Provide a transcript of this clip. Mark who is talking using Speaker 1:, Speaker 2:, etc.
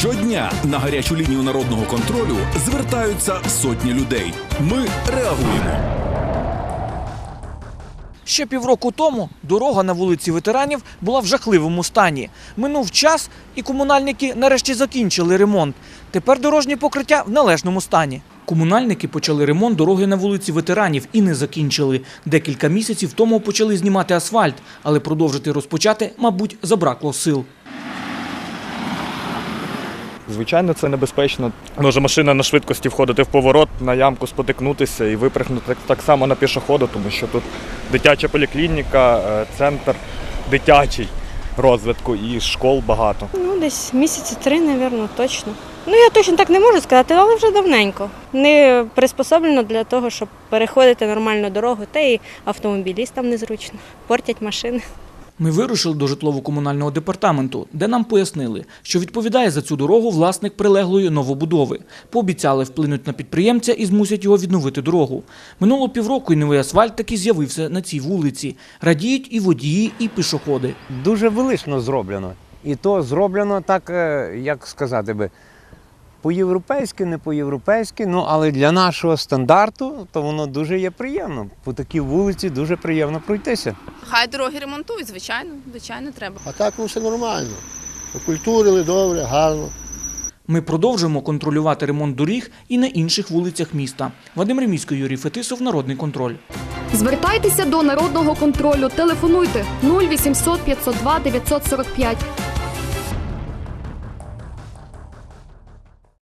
Speaker 1: Щодня на гарячу лінію народного контролю звертаються сотні людей. Ми реагуємо.
Speaker 2: Ще півроку тому дорога на вулиці Ветеранів була в жахливому стані. Минув час, і комунальники нарешті закінчили ремонт. Тепер дорожнє покриття в належному стані. Комунальники почали ремонт дороги на вулиці Ветеранів і не закінчили. Декілька місяців тому почали знімати асфальт, але продовжити розпочати, мабуть, забракло сил.
Speaker 3: Звичайно, це небезпечно. Може машина на швидкості входити в поворот, на ямку спотикнутися і випрыгнути так само на пішохода, тому що тут дитяча поліклініка, центр дитячий розвитку і школ багато.
Speaker 4: Десь місяці 3, мабуть, точно. Я точно так не можу сказати, але вже давненько. Не приспособлено для того, щоб переходити нормальну дорогу, та й автомобілістам незручно, портять машини.
Speaker 2: Ми вирушили до житлово-комунального департаменту, де нам пояснили, що відповідає за цю дорогу власник прилеглої новобудови. Пообіцяли вплинуть на підприємця і змусять його відновити дорогу. Минуло півроку і новий асфальт таки з'явився на цій вулиці. Радіють і водії, і пішоходи.
Speaker 5: Дуже велично зроблено. І то зроблено так, як сказати би, по-європейськи, не по-європейськи, але для нашого стандарту то воно дуже є приємно. По такій вулиці дуже приємно пройтися.
Speaker 6: Хай дороги ремонтують, звичайно треба.
Speaker 7: А так все нормально. Окультурили, добре, гарно.
Speaker 2: Ми продовжуємо контролювати ремонт доріг і на інших вулицях міста. Вадим Ремійський, Юрій Фетисов, Народний контроль.
Speaker 8: Звертайтеся до Народного контролю. Телефонуйте 0800 502 945.